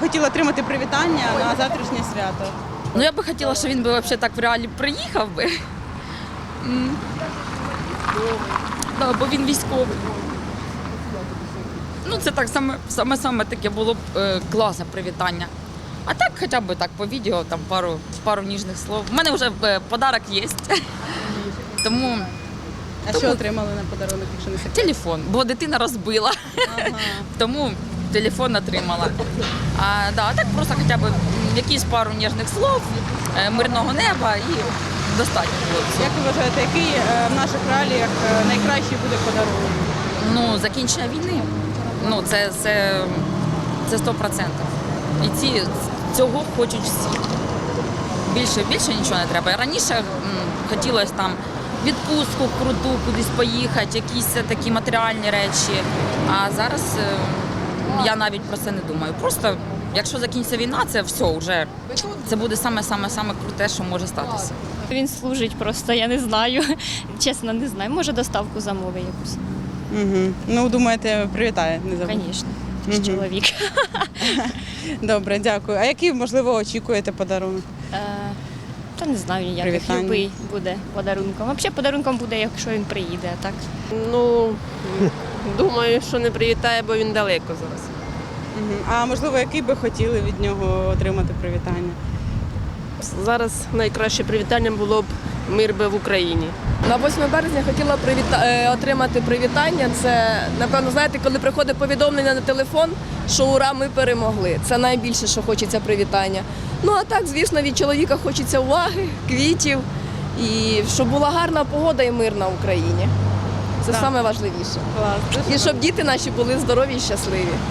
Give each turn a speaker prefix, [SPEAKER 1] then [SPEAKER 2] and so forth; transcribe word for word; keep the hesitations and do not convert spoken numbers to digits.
[SPEAKER 1] хотіли отримати привітання на завтрашнє свято?
[SPEAKER 2] Ну я би хотіла, щоб він би взагалі так в реалі приїхав би. М. Да, бо він військовий. Ну це так саме, саме, саме таке було б е, класне привітання. А так хоча б так по відео, там пару, пару ніжних слов. У мене вже е, подарок є. Тому
[SPEAKER 1] А що отримали на подарунок, якщо не секрет?
[SPEAKER 2] телефон, бо дитина розбила.
[SPEAKER 1] Ага.
[SPEAKER 2] Тому телефон отримала. А, да, а так просто хоча б м, якісь пару ніжних слов, е, мирного неба і достатньо було всього.
[SPEAKER 1] Як ви вважаєте, який е, в наших реаліях е, найкращий буде подарунок?
[SPEAKER 2] Ну, закінчення війни, ну це, це, це сто відсотків. І ці, цього хочуть всі. Більше, більше нічого не треба. Раніше м, хотілося там відпустку круту, кудись поїхати, якісь такі матеріальні речі. А зараз е, я навіть про це не думаю. Просто, якщо закінчиться війна, це все вже, це буде саме-саме-саме круте, що може статися.
[SPEAKER 3] Він служить просто, я не знаю. Чесно, не знаю. Може, доставку замовить якусь.
[SPEAKER 1] Угу. Ну, думаєте, привітає, не забудьте.
[SPEAKER 3] Звісно,
[SPEAKER 1] Мгм.
[SPEAKER 3] чоловік.
[SPEAKER 1] Добре, дякую. А який, можливо, очікуєте подарунок?
[SPEAKER 3] Е, Та не знаю ніяких.
[SPEAKER 1] Привітання.
[SPEAKER 3] Любий буде подарунком. Взагалі подарунком буде, якщо він приїде, а так.
[SPEAKER 4] Ну, думаю, що не привітає, бо він далеко зараз.
[SPEAKER 1] Угу. А можливо, який би хотіли від нього отримати привітання?
[SPEAKER 4] Зараз найкраще привітання було б мир би в Україні.
[SPEAKER 5] На восьме березня хотіла привіта... е, отримати привітання. Це, напевно, знаєте, коли приходить повідомлення на телефон, що ура, ми перемогли. Це найбільше, що хочеться привітання. Ну а так, звісно, від чоловіка хочеться уваги, квітів і щоб була гарна погода і мир на Україні. Це
[SPEAKER 1] Так.
[SPEAKER 5] найважливіше.
[SPEAKER 1] Клас.
[SPEAKER 5] І щоб діти наші були здорові і щасливі.